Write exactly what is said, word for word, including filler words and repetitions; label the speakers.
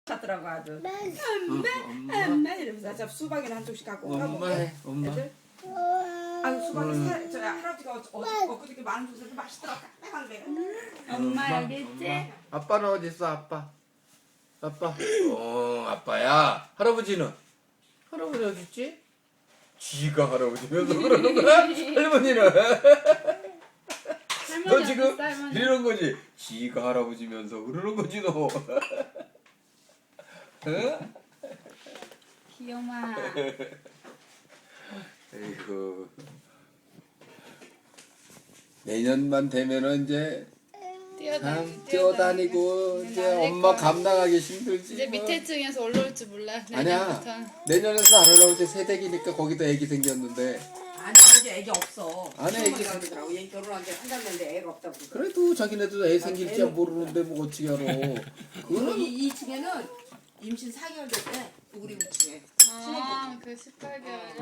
Speaker 1: 하더라고 아주.
Speaker 2: 엄마,
Speaker 1: 엄마 이러면서 저 수박이나 한 쪽씩 갖고
Speaker 2: 엄마
Speaker 1: 가볼게.
Speaker 2: 해, 엄마.
Speaker 1: 애들. 아유 수박이
Speaker 2: 음.
Speaker 1: 살, 저 할아버지가 어, 어, 엊그저께 많은 줘서 맛있더라. 딱딱한 게.
Speaker 3: 엄마 여기 있지?
Speaker 2: 아빠는 어디 있어, 아빠? 아빠. 어, 아빠야. 할아버지는? 할아버지 어디 있지? 지가 할아버지면서 그러는 거야? 할머니는? 너 지금 이러는 거지? 지가 할아버지면서 그러는 거지 너. 응?
Speaker 3: 귀여워.
Speaker 2: 에이구. 내년만 되면은 이제 참 뛰어다니고 이제 엄마 감당하기 힘들지.
Speaker 3: 이제
Speaker 2: 뭐.
Speaker 3: 밑에 층에서 올라올 줄 몰라.
Speaker 2: 아니야.
Speaker 3: 내년부터.
Speaker 2: 내년에서 안 올라올 때 새댁이니까 거기도 애기 생겼는데.
Speaker 1: 아니 이제 애기 없어.
Speaker 2: 안에 애기
Speaker 1: 시어머니가 그러더라고. 얘 결혼한 지 한 달 됐는데 애가 없다고.
Speaker 2: 그래도 자기네도 애 생길지 모르는데 뭐 어떻게 알아. 그거는
Speaker 1: 이, 이 층에는 임신 사 개월 됐대. 우리 층에.
Speaker 3: 아, 그 십팔 개월.